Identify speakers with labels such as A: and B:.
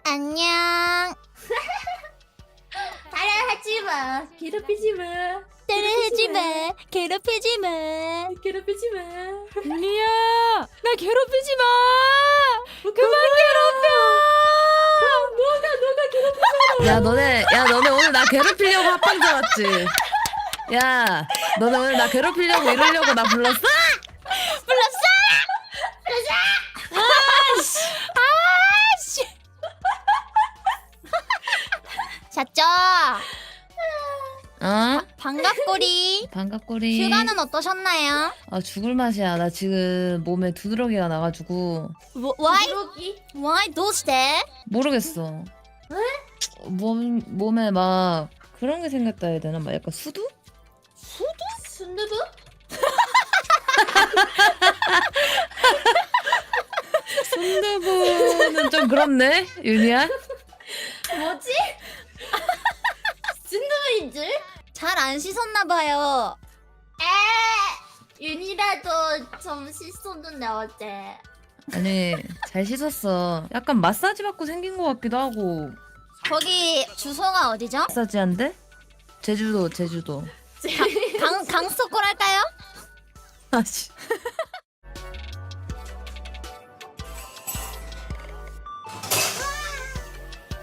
A: 안녕.
B: 따라하지 마. 괴롭히지 마.
A: 따라하지 마. 괴롭히지 마.
B: 괴롭히지 마.
A: 윤희야, 나 괴롭히지 마. 그만 괴롭혀.
B: 너가 괴롭혀.
C: 야 너네 오늘 나 괴롭히려고 합방 잡았지? 야 너네 오늘 나 괴롭히려고 이러려고 나 불렀어?
A: 불렀어? 아씨. 잤죠?
C: 어?
A: 반갑꼬리.
C: 반갑꼬리.
A: 휴가는 어떠셨나요?
C: 아 죽을 맛이야. 나 지금 몸에 두드러기가 나가지고
A: Why?
B: 그러기.
A: Why? どうして?
C: 모르겠어. 몸에 막 그런 게 생겼다 해야 되나? 막 약간 수두?
B: 순두부?
C: 순두부는 좀 그렇네, 윤희야.
B: 뭐지? 순두부인 줄?
A: 잘 안 씻었나봐요.
B: 윤이라도 좀 씻었는데 어제.
C: 아니 잘 씻었어. 약간 마사지 받고 생긴 것 같기도 하고.
A: 거기 주소가 어디죠?
C: 마사지한데? 제주도.
A: 강서골 할까요?
C: 아씨.